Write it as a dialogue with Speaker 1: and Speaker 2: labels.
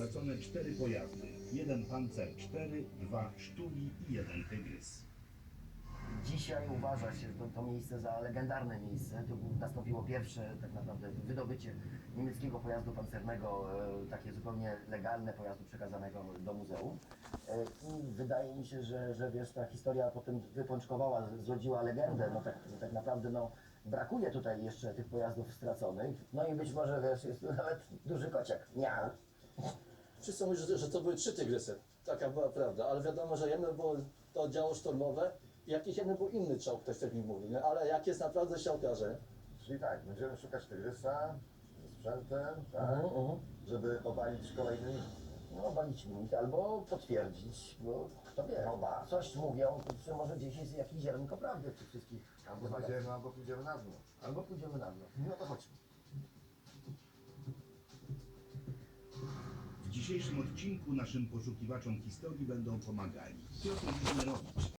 Speaker 1: stracone 4 pojazdy. 1 Pancer 4, 2 Sztuli i 1 Tygrys.
Speaker 2: Dzisiaj uważa się to miejsce za legendarne miejsce. To nastąpiło pierwsze tak naprawdę wydobycie niemieckiego pojazdu pancernego, takie zupełnie legalne pojazdu przekazanego do muzeum. I wydaje mi się, że wiesz, ta historia potem wypączkowała, zrodziła legendę. No tak naprawdę no, brakuje tutaj jeszcze tych pojazdów straconych. No i być może wiesz, jest tu nawet duży kociak. Miał.
Speaker 3: Wszyscy mówią, że to były 3 Tygrysy. Taka była prawda, ale wiadomo, że jedno było to oddziały szturmowe i jakiś jeden był inny czołg, ktoś tak mi mówi, nie? Ale jak jest naprawdę się okaże.
Speaker 4: Czyli tak, będziemy szukać Tygrysa ze sprzętem, tak, żeby obalić kolejny mit.
Speaker 2: No, balić mit albo potwierdzić, bo kto wie, coś mówią, że może gdzieś jest jakieś ziarnko prawdy w tych wszystkich
Speaker 4: Albo
Speaker 2: uwagach.
Speaker 4: będziemy, albo pójdziemy na dno.
Speaker 2: Albo pójdziemy na dno. No to chodźmy.
Speaker 1: W dzisiejszym odcinku naszym poszukiwaczom historii będą pomagali Piotr Wiśnerowicz,